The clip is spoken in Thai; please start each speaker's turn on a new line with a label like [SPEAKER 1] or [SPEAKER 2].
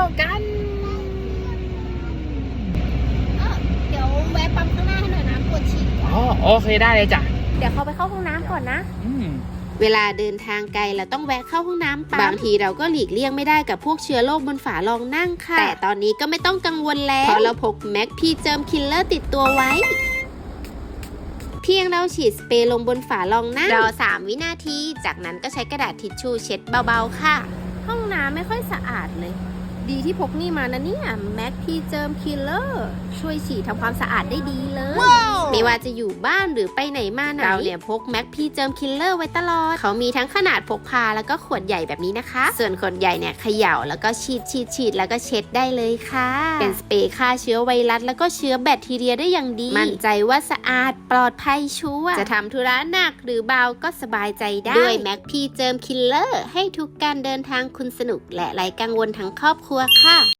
[SPEAKER 1] กัน
[SPEAKER 2] เดี๋ยวแวะปั๊มข้างหน้าให้หน่อยนะปวดฉี่
[SPEAKER 1] อ๋อโอเคได้เลยจ้ะ
[SPEAKER 2] เดี๋ยวเขาไปเข้าห้องน้ำก่อนนะ
[SPEAKER 3] เวลาเดินทางไกลเราต้องแวะเข้าห้องน้ำบางทีเราก็หลีกเลี่ยงไม่ได้กับพวกเชื้อโรคบนฝารองนั่งค่ะแต่ตอนนี้ก็ไม่ต้องกังวลแล้วเพราะเราพกแม็กพีเจิมคิลเลอร์ติดตัวไว้เพียงเราฉีดสเปรย์ลงบนฝารองนั่งรอ3 วินาทีจากนั้นก็ใช้กระดาษทิชชู่เช็ดเบาๆค่ะ
[SPEAKER 2] ห้องน้ำไม่ค่อยสะอาดเลยดีที่พกนี่มานะเนี่ยแม็กพีเจิมคิลเลอร์ช่วยฉีดทำความสะอาดได้ดีเลย
[SPEAKER 3] ไม่ว่าจะอยู่บ้านหรือไปไหนมาไหนเราเนี่ยพกแม็กพีเจิมคิลเลอร์ไว้ตลอดเขามีทั้งขนาดพกพาแล้วก็ขวดใหญ่แบบนี้นะคะส่วนขวดใหญ่เนี่ยเขย่าแล้วก็ฉีดแล้วก็เช็ดได้เลยค่ะเป็นสเปรย์ฆ่าเชื้อไวรัสแล้วก็เชื้อแบคทีเรียได้อย่างดีมั่นใจว่าสะอาดปลอดภัยชัวร์จะทำธุระหนักหรือเบาก็สบายใจได้ด้วยแม็กพีเจิมคิลเลอร์ให้ทุกการเดินทางคุณสนุกและไร้กังวลทั้งครอบครัวค่ะ